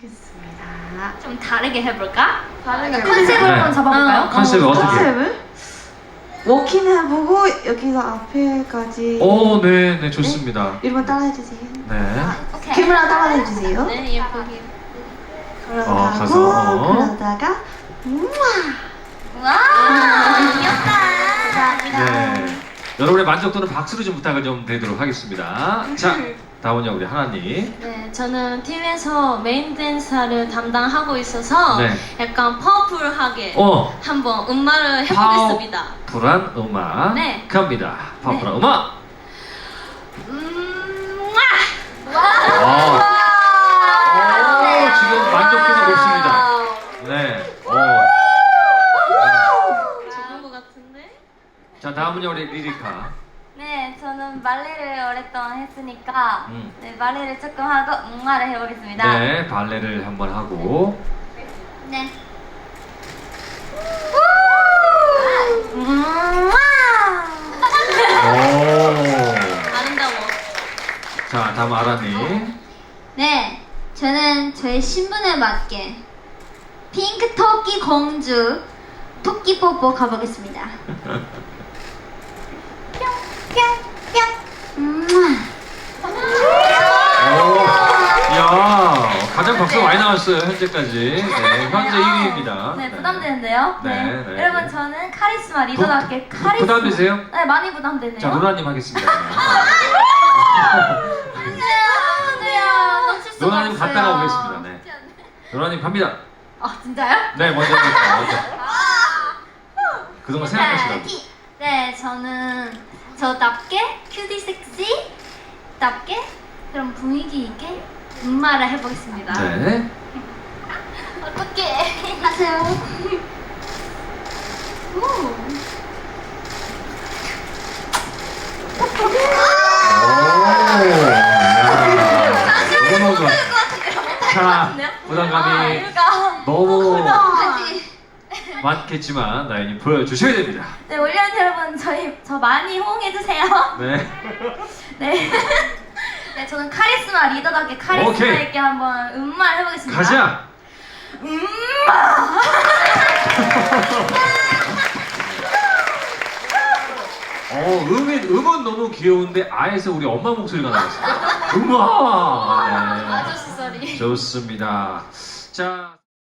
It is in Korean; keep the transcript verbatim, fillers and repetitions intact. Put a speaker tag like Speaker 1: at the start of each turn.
Speaker 1: 해보겠습니다.
Speaker 2: 좀 다르게 해볼까?
Speaker 1: 다르게
Speaker 2: 컨셉을
Speaker 3: 네.
Speaker 2: 한번 잡아볼까요?
Speaker 3: 어, 컨셉을 어떻게?
Speaker 1: 컨셉을 워킹 해보고 여기서 앞에까지
Speaker 3: 오, 네, 네, 좋습니다.
Speaker 1: 이름만 따라해주세요.
Speaker 3: 네.
Speaker 2: 오케이.
Speaker 1: 기분을 따라해주세요.
Speaker 2: 네, 예쁘게.
Speaker 1: 그러다가
Speaker 3: 어, 가서, 어.
Speaker 1: 그러다가 우와.
Speaker 2: 와, 귀엽다.
Speaker 3: 네. 여러분의 만족도는 박수로 좀 부탁을 좀 드리도록 하겠습니다. 자, 다음은요, 우리 하나님.
Speaker 2: 네, 저는 팀에서 메인 댄서를 담당하고 있어서
Speaker 3: 네.
Speaker 2: 약간 파워풀하게
Speaker 3: 어,
Speaker 2: 한번 음악을 해보겠습니다.
Speaker 3: 파워풀한 음악.
Speaker 2: 네.
Speaker 3: 갑니다. 파워풀한 음악.
Speaker 2: 음,
Speaker 3: 아, 오, 지금 만족도가 높습니다. 네. 오.
Speaker 2: 좋은 것 같은데?
Speaker 3: 자, 다음은요, 우리 리리카.
Speaker 2: 네, 저는 발레를 오랫동안 했으니까
Speaker 3: 음.
Speaker 2: 네, 발레를 조금 하고 음악을 해보겠습니다.
Speaker 3: 네, 발레를 한번 하고.
Speaker 2: 네. 음,
Speaker 3: 오.
Speaker 2: 아름다워.
Speaker 3: 자, 다음 아라님.
Speaker 4: 네, 저는 저의 신분에 맞게 핑크 토끼 공주 토끼 뽀뽀 가보겠습니다. 뿅뿅뿅.
Speaker 3: 오. 이야, 가장 박수가 많이 나왔어요, 현재까지. 네, 현재 일 위입니다.
Speaker 2: 네, 부담되는데요.
Speaker 3: 네,
Speaker 2: 네.
Speaker 3: 네.
Speaker 2: 여러분, 저는 카리스마 리더답게
Speaker 3: 부-
Speaker 2: 카리스마.
Speaker 3: 부담되세요?
Speaker 2: 네, 많이 부담되네요.
Speaker 3: 자, 노라님 하겠습니다. 노라님 갔다가 오겠습니다. 네. 노라님 갑니다.
Speaker 2: 아, 진짜요?
Speaker 3: 네, 먼저 해볼게요, 먼저. 그동안 생각하시라고.
Speaker 2: 네, 저는 저답게 큐티 섹시 답게 그런 분위기 있게 음마를 해보겠습니다.
Speaker 3: 네.
Speaker 2: 어떻게 하세요? 오.
Speaker 3: 오. 너무 좋아. 자, 부담감이 너무 많겠지만 나연이 보여주셔야 됩니다.
Speaker 2: 네, 올리언 여러분, 저희 저 많이 호응해주세요.
Speaker 3: 네.
Speaker 2: 네. 네, 저는 카리스마 리더답게 카리스마
Speaker 3: 오케이.
Speaker 2: 있게 한번 음마를 해보겠습니다.
Speaker 3: 가자.
Speaker 2: 음마.
Speaker 3: 어, 음이, 음은 너무 귀여운데 아에서 우리 엄마 목소리가 나왔어요. 음악. 네.
Speaker 2: 아저씨 소리.
Speaker 3: 좋습니다. 자.